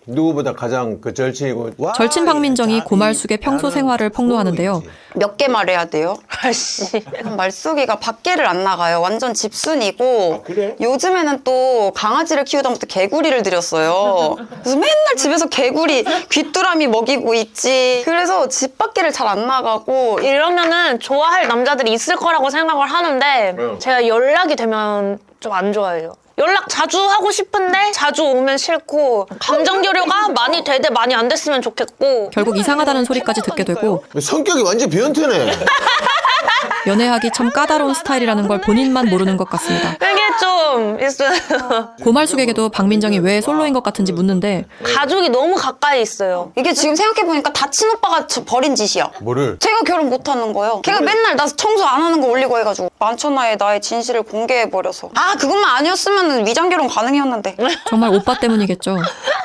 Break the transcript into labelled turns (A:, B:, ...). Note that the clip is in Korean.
A: 누구보다 가장 그 절친이고. 와,
B: 절친 박민정이 고말숙의 평소 생활을 폭로하는데요.
C: 몇 개 말해야 돼요?
D: 아씨.
C: 말숙이가 밖에를 안 나가요. 완전 집순이고.
A: 그래?
C: 요즘에는 또 강아지를 키우다 보니까 개구리를 들였어요. 그래서 맨날 집에서 개구리 귀뚜라미 먹이고 있지. 그래서 집 밖에를 잘 안 나가고.
D: 이러면은 좋아할 남자들이 있을 거라고 생각을 하는데 제가 연락이 되면 좀 안 좋아해요. 연락 자주 하고 싶은데 자주 오면 싫고 감정 교류가 많이 되되 많이 안 됐으면 좋겠고
B: 결국 이상하다는 소리까지 듣게 되고
A: 성격이 완전 변태네.
B: 연애하기 참 까다로운 스타일이라는 걸 본인만 모르는 것 같습니다.
D: 그게 좀 있어요.
B: 고말숙에게도 박민정이 왜 솔로인 것 같은지 묻는데
D: 가족이 너무 가까이 있어요.
C: 이게 지금 생각해보니까 다친 오빠가 버린 짓이야.
A: 뭐를?
C: 제가 결혼 못하는 거예요. 걔가 맨날 나 청소 안 하는 거 올리고 해가지고 만천하에 나의 진실을 공개해버려서. 아, 그것만 아니었으면 위장 결혼 가능이었는데.
B: 정말 오빠 때문이겠죠.